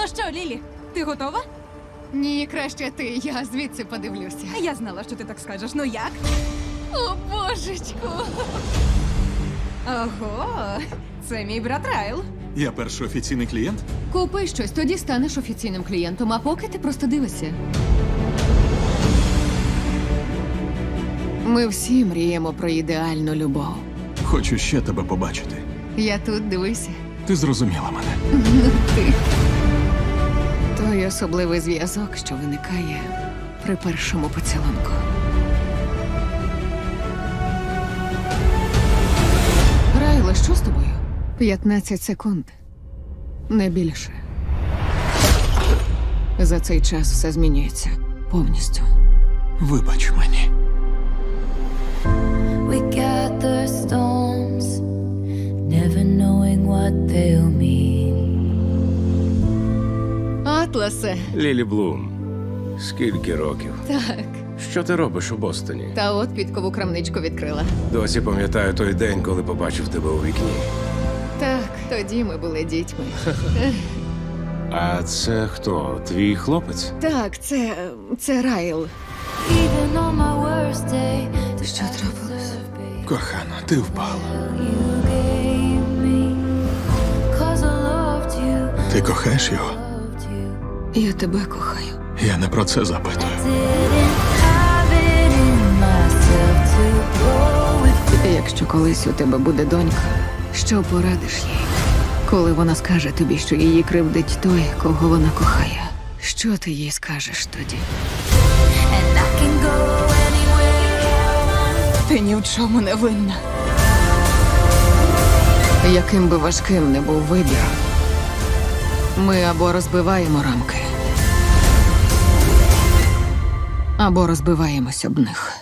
Ну що, Лілі, ти готова? Ні, краще ти, я звідси подивлюся. Я знала, що ти так скажеш. Ну як? О, божечку! Ого, це мій брат Райл. Я перший офіційний клієнт? Купи щось, тоді станеш офіційним клієнтом, а поки ти просто дивишся. Ми всі мріємо про ідеальну любов. Хочу ще тебе побачити. Я тут, дивися. Ти зрозуміла мене. Ти. Той особливий зв'язок, що виникає при першому поцілунку. Райле, що з тобою? 15 секунд. Не більше. За цей час все змінюється. Повністю. Вибач мені. We gather storms, never knowing what they'll mean. Атласе. Лілі Блум, скільки років? Так. Що ти робиш у Бостоні? Та от підкову крамничку відкрила. Досі пам'ятаю той день, коли побачив тебе у вікні. Так, тоді ми були дітьми. А це хто? Твій хлопець? Так, це Райл. Even on my worst day, the Що трапилось? Кохана, ти впала. you gave me. 'Cause I loved you, Ти кохаєш його? loved you. Я тебе кохаю. Я не про це запитую. Didn't have it in myself to go with. Якщо колись у тебе буде донька, що порадиш їй? Коли вона скаже тобі, що її кривдить той, кого вона кохає, що ти їй скажеш тоді? And I can go anywhere. Ти ні в чому не винна. Яким би важким не був вибір, ми або розбиваємо рамки, або розбиваємось об них.